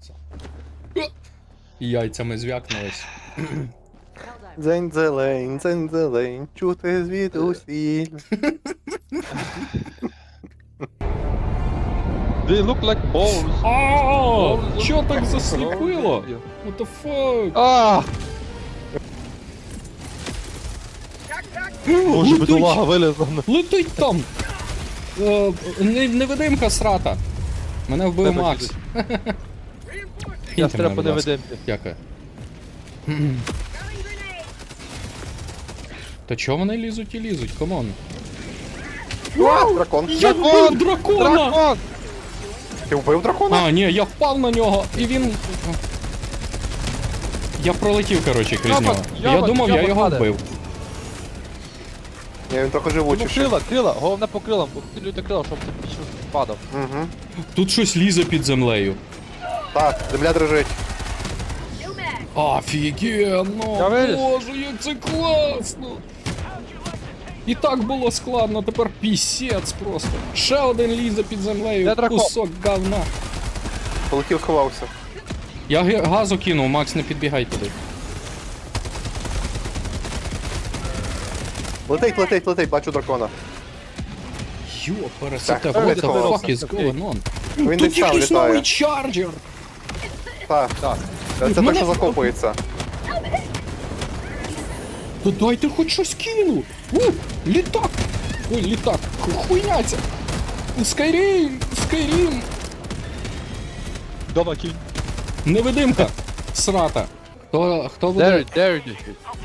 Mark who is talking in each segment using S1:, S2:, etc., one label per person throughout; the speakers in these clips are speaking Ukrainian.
S1: Яйцями звякнулись.
S2: Дзень-дзелень, чути звідусіль.
S3: They look like balls.
S1: Ааа! Чо так засліпило? What the fuck?
S3: А! Боже, бідолага вилізла.
S1: Летить там! Невидимка срата. Мене вбив
S3: Тебе
S1: Макс.
S3: Я
S1: Киньте
S3: стрепу
S1: мене,
S3: не
S1: будь ласка.
S3: видимки.
S1: Дякую. Та чого вони лізуть і лізуть? Камон.
S2: Дракон.
S1: Я вбив дракона!
S3: Дракон!
S2: Ти вбив дракона?
S1: А, ні, я впав на нього, і він... Я пролетів, коротше, крізь
S3: Йобан,
S1: нього. Я
S3: йобан,
S1: думав, я
S3: йобан
S1: його
S3: падає.
S1: вбив.
S2: Ні, він трохи
S3: Ну,
S2: живучіший.
S3: крила, головне по крилам, посилюйте крила, щоб ти більше падав.
S2: Угу.
S1: Тут щось лізе під землею.
S2: Так, земля дрожить.
S1: Офігенно!
S3: Я виліз.
S1: Боже, як це класно! І так було складно, тепер пісець просто. Ще один лізе під землею,
S3: Де дракон?
S1: кусок говна.
S2: Полетів, сховався.
S1: Я газу кинув, Макс, не підбігай туди.
S2: Летить, бачу дракона.
S1: Йо, пересете,
S2: Так,
S1: what the
S2: сховався.
S1: fuck is going on?
S2: Він
S1: Тут
S2: десь там
S1: якийсь
S2: літає.
S1: новий чарджер!
S2: Так,
S3: Так.
S2: це те,
S1: Мене-
S2: що закопується.
S1: Та дайте хоч щось кину! Літак! Ой, літак! Хуйняця! Скайрім! Скайрім!
S3: Дома кінь.
S1: Невидимка! Срата! Хто буде?
S3: There you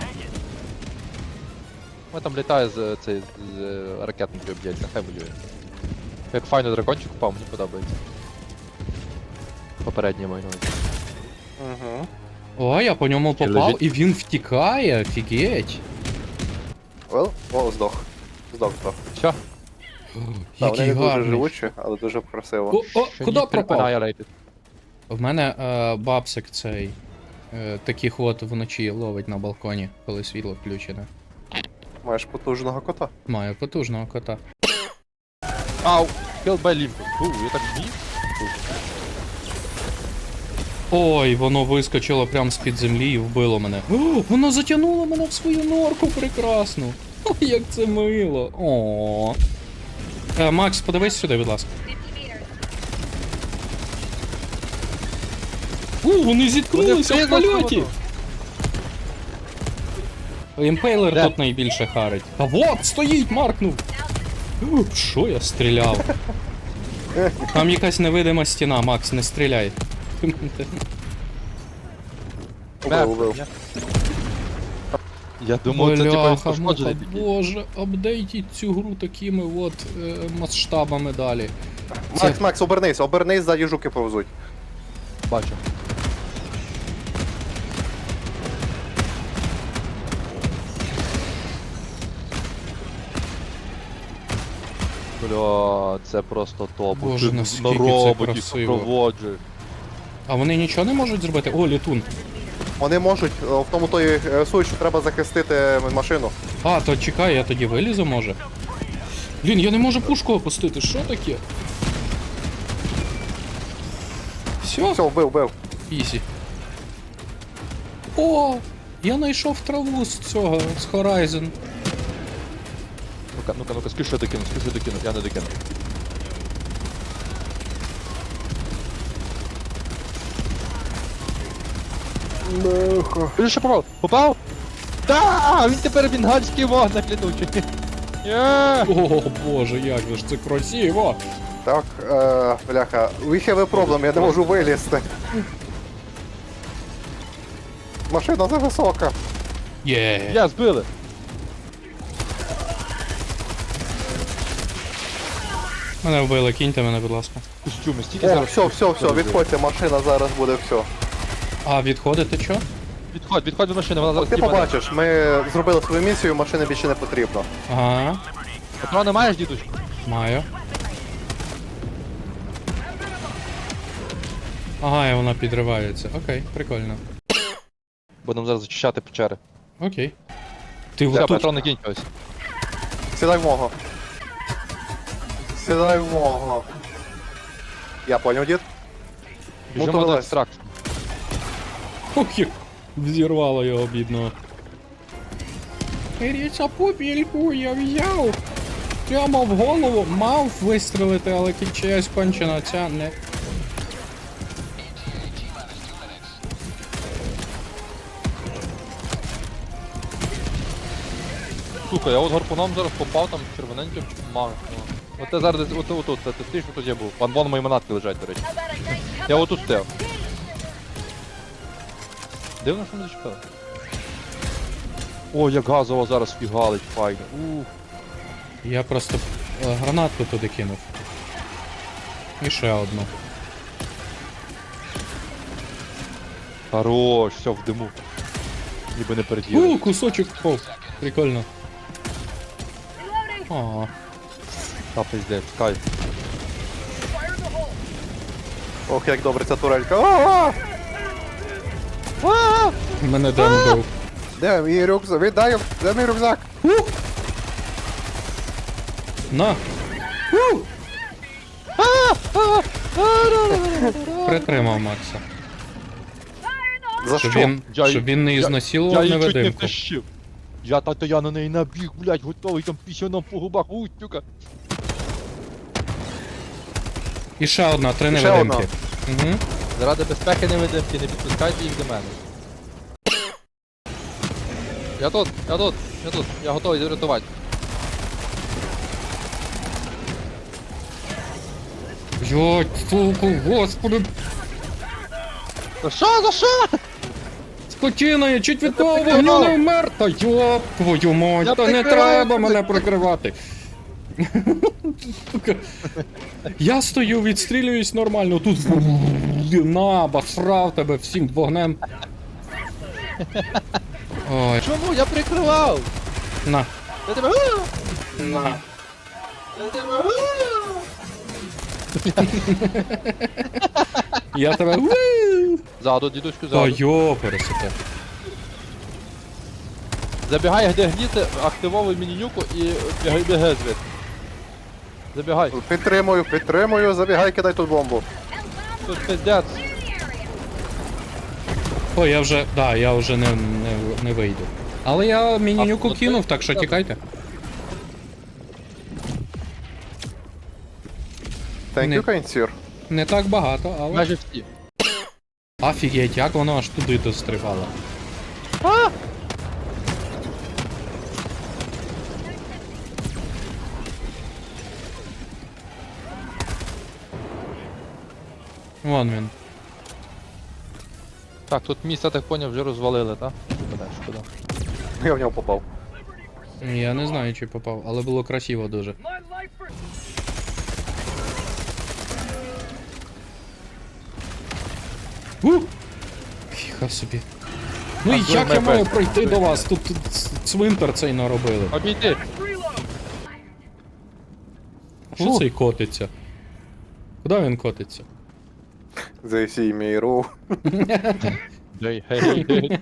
S3: Ми там літає з цей з ракетникою б'ється, хай воює. Як файно дракончик упав, мені подобається. Попередній маю на увазі.
S2: Угу.
S1: О, я по ньому попав,
S3: лежить?
S1: і він втікає, офігеть!
S2: О, здох. Здох.
S3: Все.
S2: Так, вони
S1: Який
S2: не дуже
S1: гарний.
S2: живучі, але дуже красиво.
S1: Куди пропав?
S3: Annihilated.
S1: В мене бабсик цей. Таких от вночі ловить на балконі, коли світло включене.
S2: Маєш потужного кота.
S1: Маю потужного кота.
S3: Ау! Killed by Limpus. Я так вмію?
S1: Ой, воно вискочило прямо з-під землі і вбило мене. О, воно затягнуло мене в свою норку прекрасну. Ой, як це мило. О. Макс, подивись сюди, будь ласка. Вони зіткнулися в польоті. Імпейлер
S3: Де?
S1: тут найбільше харить. А вот, стоїть, маркнув. Що я стріляв? Там якась невидима стіна, Макс, не стріляй.
S2: Убив.
S3: Я думав, це типа
S1: Бляха,
S3: пошкоджений
S1: муха,
S3: такий.
S1: боже, апдейтіть цю гру такими от масштабами далі.
S2: Макс, обернись, ззаді жуки повзуть.
S3: Бачу. Бля, це просто топ.
S1: Боже,
S3: Ти
S1: наскільки
S3: на
S1: це
S3: роботі
S1: красиво.
S3: супроводжуєш.
S1: А вони нічого не можуть зробити? О, літун.
S2: Вони можуть, в тому той суть, що треба захистити машину.
S1: А, то чекай, я тоді вилізу, може. Блін, я не можу пушку опустити, що таке? Все,
S2: Все, вбив.
S1: ізі. О, я знайшов траву з цього, з Horizon.
S3: Ну-ка, скажи, що я докину, я не докину. Ти що попав? Попав? Да, він тепер бенгальський вогник літучий. Є!
S1: О, боже, як же ж це красиво!
S2: Так, бляха, we have a problem, я не можу вилізти. Машина зависока.
S1: Є!
S3: Я збили.
S1: Мене вбили, кіньте мене, будь ласка.
S3: Костюми, стільки
S2: О,
S3: зараз.
S2: все, відходьте, машина зараз буде все.
S1: А, відходите чо?
S3: Відходь від машини, вона зараз
S2: Ти
S3: тіпа.
S2: побачиш, ми зробили свою місію, машини більше не потрібно.
S1: Ага,
S3: Патрони маєш, дідусь?
S1: маю. Ага, і вона підривається. Окей, прикольно.
S3: Будемо зараз зачищати печери.
S1: Окей. Ти
S3: Все,
S1: тут.
S3: патрони кінь ось.
S2: Сідай в мого. Сідай в мого. Я понял, дід.
S3: Біжимо
S2: Мотовелес.
S3: до екстракції.
S1: Ох, як взірвало його бідного. Ріця пупільку я взяв. Прямо в голову мав вистрелити, але чиясь кончена ця не...
S3: Слухай, я от гарпуном зараз попав, там червоненьким мав. От я зараз десь отут, ти стоїш, тут я був. Вон мої манатки лежать, до речі. Я отут стояв. Дивно, що не зачепили. О, як газово зараз фігалить, файно. Ух.
S1: Я просто гранатку туди кинув. І ще одну.
S3: Хорош, все в диму. Ніби не переділи.
S1: Кусочок впав. Прикольно. О,
S3: Та пиздець, кайф.
S2: Ох, як добре ця турелька. А!
S1: мене Ден бив.
S2: Де мій рюкзак? Віддай, де мій рюкзак?
S1: На! Притримав Макса.
S2: За
S1: Щоб
S2: що?
S1: він не
S3: Я
S1: ізнасилував
S3: її чуть не
S1: невидимку.
S3: втащив. Я на неї набіг, блядь, готовий там пісюном по губах, тюка.
S1: І ще одна, 3
S2: І ще
S1: невидимки. Угу.
S3: Заради безпеки невидимки, не підпускайте їх до мене. Я тут, я готовий врятувати.
S1: Йой, сука, господи,
S3: За що?
S1: скотина, я чуть від того вогню не вмер. Та йоп, твою мать,
S3: Я
S1: та не
S3: прикриваю
S1: треба
S3: тебе.
S1: мене прикривати. Сука. Я стою, відстрілююсь нормально, тут на, басрав тебе всім вогнем. Ой,
S3: Чому? Я прикривав!
S1: на,
S3: Я тебе...
S1: на. Я тебе...
S3: Ззаду, дідуську,
S1: Та
S3: ззаду.
S1: йо, пересете.
S3: Забігай, де гніти, активовуй міні-нюку і бігай звідти. Забігай.
S2: Підтримую, забігай, кидай тут бомбу.
S3: Тут пиздець.
S1: Ой, я вже не вийду. Але я міні-нюку
S3: ну
S1: кинув,
S3: ти-
S1: так що тікайте.
S2: Thank
S1: Не.
S2: you, kind sir.
S1: Не так багато, але...
S3: Майже всі.
S1: Офігеть, як воно аж туди дострибало. Вон він.
S3: Так, тут місце, так поняв, вже розвалили, так? Шкода.
S2: Я в нього попав.
S1: Я не знаю, чи попав, але було красиво дуже. Фіга собі. Ну і
S3: А,
S1: як
S3: ми
S1: я маю
S3: без-
S1: пройти до вас? Тут цвинтар цей наробили.
S3: Обійди!
S1: Що цей котиться? Куди він котиться?
S2: Зайсі міру.
S3: Гей.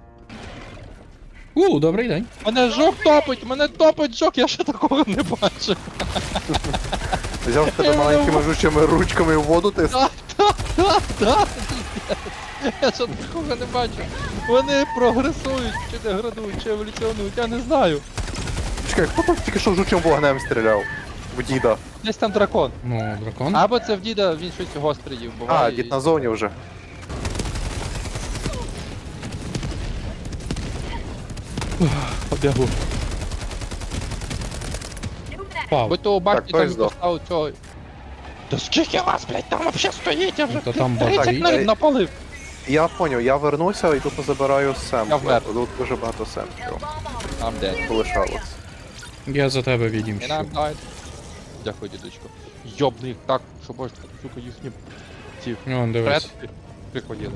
S1: Добрий день.
S3: Мене топить жок, я ще такого не бачив.
S2: Взяв тебе маленькими жучими ручками в воду ти.
S3: Да, я ще такого не бачив. Вони прогресують, чи деградують, чи еволюціонують, я не знаю.
S2: Чекай, хто там тільки що жучим вогнем стріляв? В діда.
S3: Десь там дракон.
S1: Ну, дракон.
S3: Або це в діда, він щось гостре їв,
S2: А,
S3: буває.
S2: дід на зоні вже.
S3: Побігу.
S1: Пав.
S3: Будь то у башні
S2: Так,
S3: там
S2: той
S3: і
S2: здох.
S3: поставив цього. Да скільки вас, блядь, там вообще стоїть, я вже
S1: То там
S3: 30
S1: башні.
S3: навіть напалив.
S2: Я поняв, я вернуся і тут забираю сем.
S3: Я вмер.
S2: Тут дуже багато семплів
S3: I'm dead.
S2: полишалось.
S1: Я за тебе
S3: And
S1: відімщу.
S3: I'm died. Дякую, дідочко. Йобни їх так, що бачите, сука, їхні ці
S1: Вон, дивись.
S3: предки приходили.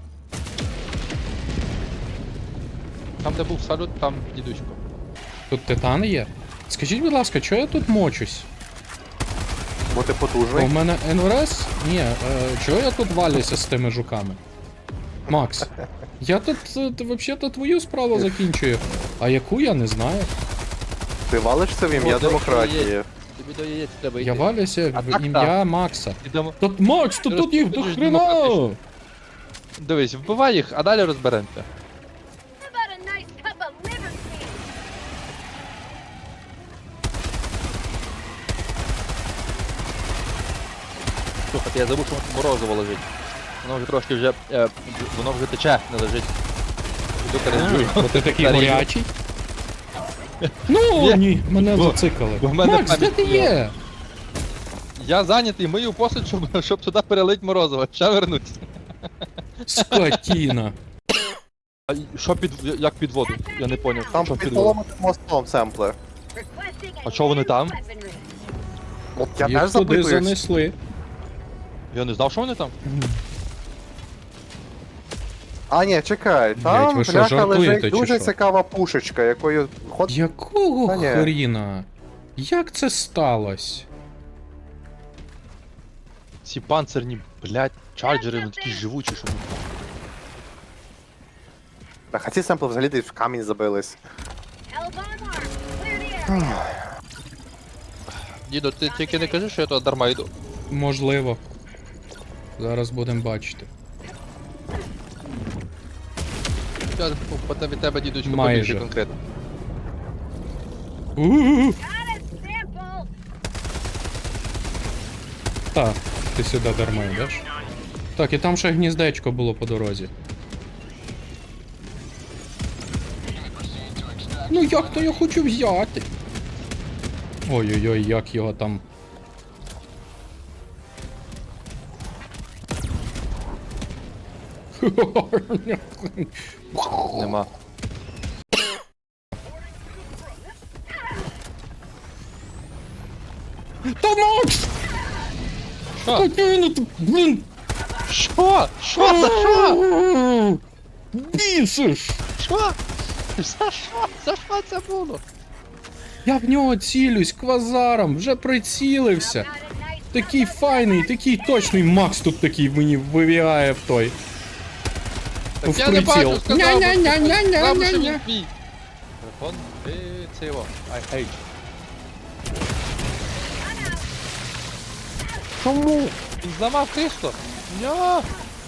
S3: Там, де був салют, там дідочко.
S1: Тут титан є? Скажіть, будь ласка, чого я тут мочусь?
S2: Бо ти
S1: У
S2: потужний.
S1: мене НРС? Ні, чого я тут валюся з тими жуками? Макс, я тут взагалі-то твою справу закінчую, а яку я не знаю.
S2: Ти валишся в ім'я
S3: От,
S2: демократії.
S3: тобі до яєць треба йти.
S1: Я валюся
S3: А
S1: в
S3: так,
S1: ім'я Макса.
S3: Ідемо.
S1: Тут Макс, тут їх до
S3: Розповідаєш
S1: хрена!
S3: демократично. Дивись, вбивай їх, а далі розберемося.
S4: How about a nice cup of liver steam?
S3: Слухайте, я забув, що морозиво лежить. Воно вже трошки вже, воно вже тече, не лежить. Іду переджую.
S1: Бо ти такий
S3: Заріжу.
S1: горячий. Ну, ні, мене
S3: Бо-
S1: зацикали.
S3: бо в мене
S1: Макс, де
S3: пам'ять
S1: ти
S3: плює.
S1: є?
S3: Я зайнятий, мию посуд, щоб туди перелить морозиво. Ще вернусь.
S1: Скотіна.
S3: А що як під воду? Я не поняв.
S2: Там
S3: що
S2: під
S3: під воду?
S2: поломаним мостом семпли.
S4: Requesting
S3: А чого вони там?
S4: weaponry.
S2: От я
S1: Їх
S2: теж
S1: туди
S2: запитуюсь.
S1: занесли.
S3: Я не знав, що вони там.
S2: А, ні, чекай,
S1: Блядь,
S2: там
S1: ви що,
S2: бляха
S1: жартуєте
S2: лежить
S1: чи
S2: дуже
S1: що?
S2: цікава пушечка, якою ход...
S1: Якого
S2: Та ні.
S1: хріна? Як це сталося?
S3: Ці панцирні, блядь, чарджери, вони такі живучі, що...
S2: А ці семпли взагалі десь в камінь забились.
S4: Elbow arm. Clear the area.
S3: Дідо, ти тільки не кажи, що я туди дарма йду.
S1: Можливо. Зараз будемо бачити.
S3: Я від тебе, дідочку,
S1: Майже.
S3: побільше конкретно.
S1: У-у-у.
S4: Got a sample.
S1: Так, ти сюди дарма йдеш. Так, і там ще гніздечко було по дорозі. Ну як то я хочу взяти? Ой-ой-ой, як його там.
S3: Нема.
S1: Та Макс!
S3: Що?
S1: Скотина ти, блін!
S3: Що? Що? За що?
S1: Бісиш!
S3: Що? За що? За що це було?
S1: Я в нього цілюсь квазаром, вже прицілився.
S4: Got a nice
S1: Такий файний, такий точний Макс тут такий мені вибігає в той.
S3: Так
S1: В
S3: я не
S1: приціл.
S3: бачу, сказав, сказав, що
S1: Ня-ня-ня-ня-ня-ня-ня.
S3: він твій. Телефон, ти це його. I hate you.
S2: Чому?
S3: Він зламав крісло. Ня.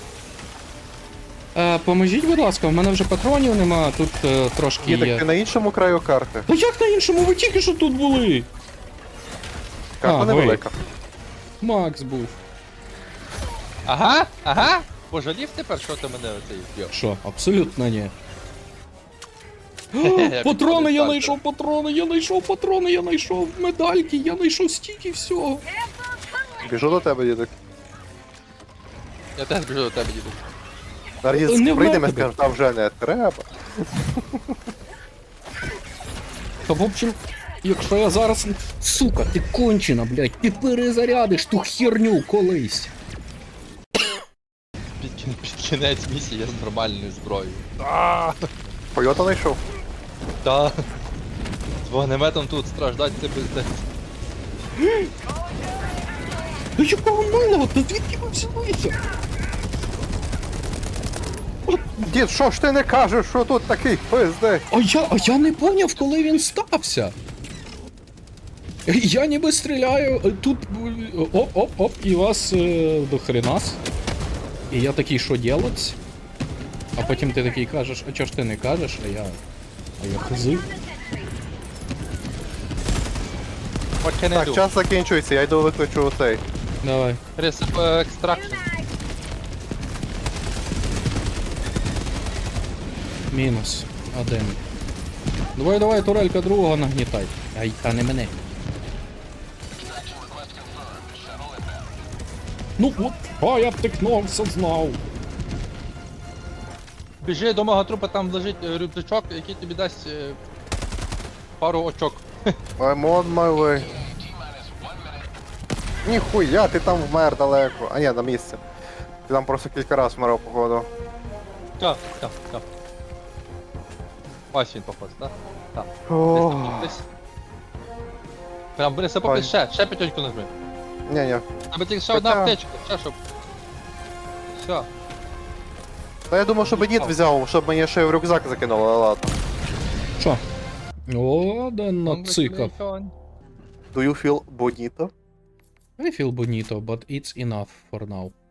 S1: Поможіть, будь ласка, в мене вже патронів нема, тут трошки
S2: Ні, так
S1: є.
S2: ти на іншому краю карти.
S1: Та як на іншому? Ви тільки що тут були?
S2: Карта
S1: А,
S2: невелика.
S1: Макс був.
S3: Ага, ага. Пожалів тепер, що ти мене оцей вб'єш?
S1: Що, абсолютно ні.
S3: Як
S1: Патрони, я
S3: так,
S1: знайшов патрони, я знайшов патрони, я знайшов медальки, я знайшов стільки всього.
S4: sample.
S2: Біжу до тебе, дідик.
S3: Я теж біжу до тебе, діду.
S2: Зараз
S1: Не
S2: дід прийдемо і
S1: вмер
S2: скаже, та вже не треба.
S1: Та в общем, якщо я зараз... Сука, ти кончена, блядь, ти перезарядиш ту херню колись.
S3: Під кінець місії я з нормальною зброєю.
S2: Пойота знайшов.
S3: Та. З вогнеметом тут страждать це пиздець.
S1: Та якого милого, та звідки ви взялися?
S2: Дід, що ж ти не кажеш, що тут такий пиздець?
S1: А я не поняв, коли він стався. Я ніби стріляю, тут оп-оп-оп, і вас до хренас. І я такий, що делать? А потім ти такий кажеш, а чого ж ти не кажеш, а я хзи.
S3: What can I
S2: Так,
S3: do?
S2: час закінчується, я йду викличу цей.
S1: Давай.
S3: Extraction.
S1: Мінус. Один. Давай, турелька другого нагнітай. Ай, та не мене. Ну от, а я втикнувся, знав.
S3: Біжи до мого трупа, там лежить рюкзачок, який тобі дасть пару очок.
S2: I'm on my way. Ніхуя, ти там вмер далеко. А ні, на місці. Ти там просто кілька разів вмирав, походу.
S3: Так. Ось він, походу, так? Так.
S2: Ох.
S3: Десь. Прям бери сапоги, ще п'ятьоньку нажми.
S2: Ні-ні.
S3: Аби тільки ще одна
S2: Така.
S3: аптечка, ще щоб. Все.
S2: Та я думав, щоб дід взяв, щоб мені ще в рюкзак закинуло, але ладно.
S1: Що? О, да нацикав.
S2: Do you feel bonito?
S1: I feel bonito, but it's enough for now.